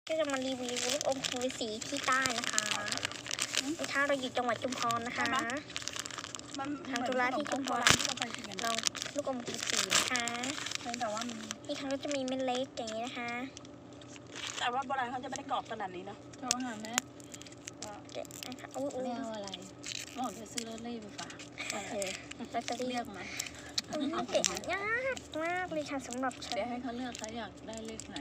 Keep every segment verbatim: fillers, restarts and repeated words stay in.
ก็จะมารีวิวลูกอมคูสีที่ใต้นะคะนะคะเราอยู่จังหวัดชุมพรนะคะทางจุฬาที่ชุมพรลองลูกอมคูสีนะคะแต่ว่าที่ทางก็จะมีเม็ดเล็กอย่างนี้นะคะแต่ว่าโบราณเขาจะไม่ได้กรอบขนาดนี้เนาะโทรหาแม่เด็ดนะคะอุ้ยอุ้ยไม่เอาอะไรหมอจะซื้อรถเล่ไปฝากโอเคเราจะเลืเรียอก กไหมเด็ดยากมากเลยค่ะสำหรับฉันเดี๋ยวให้เขาเลือกเขาอยากได้เลขไหน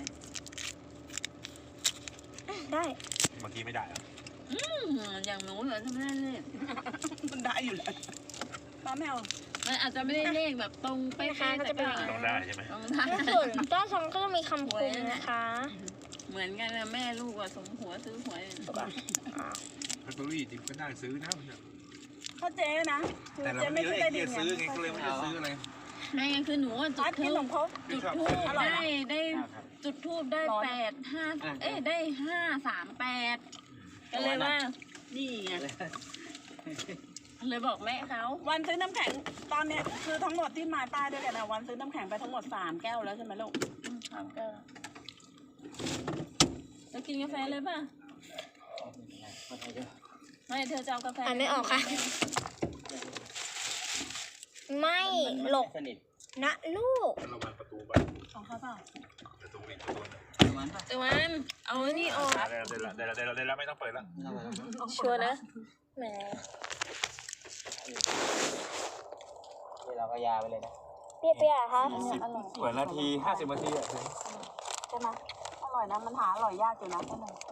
ได้เมื่อกี้ไม่ได้อะอืมอย่างหนูเหรอทำไมได้เลขมันได้อยู่แล้วป้าไม่เอามันอาจจะไม่ได้เลขแบบตรงเป๊ะๆแต่ก็ต้องได้ใช่ไหมต้องได้ส่วนต้นซองก็จะมีคำคมนะคะเหมือนกันนะแม่ลูกอะสมหัวซื้อหวยลอตเตอรี่จริงก็ได้ซื้อนะมันเนี่ยเขาเจ๊นะแต่เราเจ๊ไม่ไม่มีใช่เลได้ขดีที่จะซื้อไงก็เลยไม่ได้ซื้ออะไรไม่งั้นคือหนูอะจุร้าดนกิทูนขบนมครกจุดทูบได้ได้จุดทูบได้แปดห้าเอ้ยได้ห้าสามแปดก็เลยว่านี่ไงเลยบอกแม่เขาวันซื้อน้ำแข็งตอนเนี้ยคือทั้งหมดที่มาป้ายด้วยกันนะวันซื้อน้ำแข็งไปทั้งหมดสามแก้วแล้วใช่ไหมลูกถามก็จะกินกาแฟเลยป่ะไม่เธอจะเอากาแฟอ่านไม่ออกค่ะ ไม่หลกนะลูกระวังประตูไปของเขาเปล่าประตูอีกประตูตะวันตะวันเอาไอ้นี่ออกได้แล้วได้แล้วได้แล้วได้แล้วได้แล้วไม่ต้องเปิดแล้วชัวร์นะแหมนี่เราก็ยาไปเลยนะเปรี้ยวๆคะเปิดนาทีห้าสิบนาทีอ่ะใช่ไหมอร่อยนะมันหาอร่อยยากอยู่นะ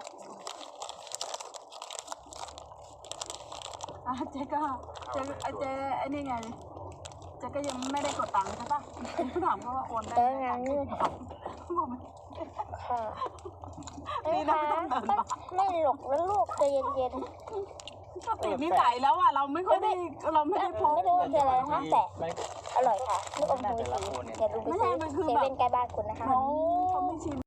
อ่ะเจ๊ก็เจ๊ไอเจ๊ไอ้นี่ไงเจ๊ก็ยังไม่ได้กดตังค์ใช่ปะถามเขาว่าโอนได้เออไหมงั้นนี่บอกไม่ค่ะเอ้นี่ยนะคะไม่ต้องเดินมาไม่หลกแล้วลูกใจเย็นก็ติดนิสัยแล้วอ่ะเราไม่ค่อยได้เราไม่ๆได้พกไม่รู้มันคืออะไรนะคะแต่ไม่อร่อยค่ะลูกอมคูสีอย่าลืมไปซื้อเซเว่นใกล้บ้านคุณนะคะเขาเขาไม่ชิน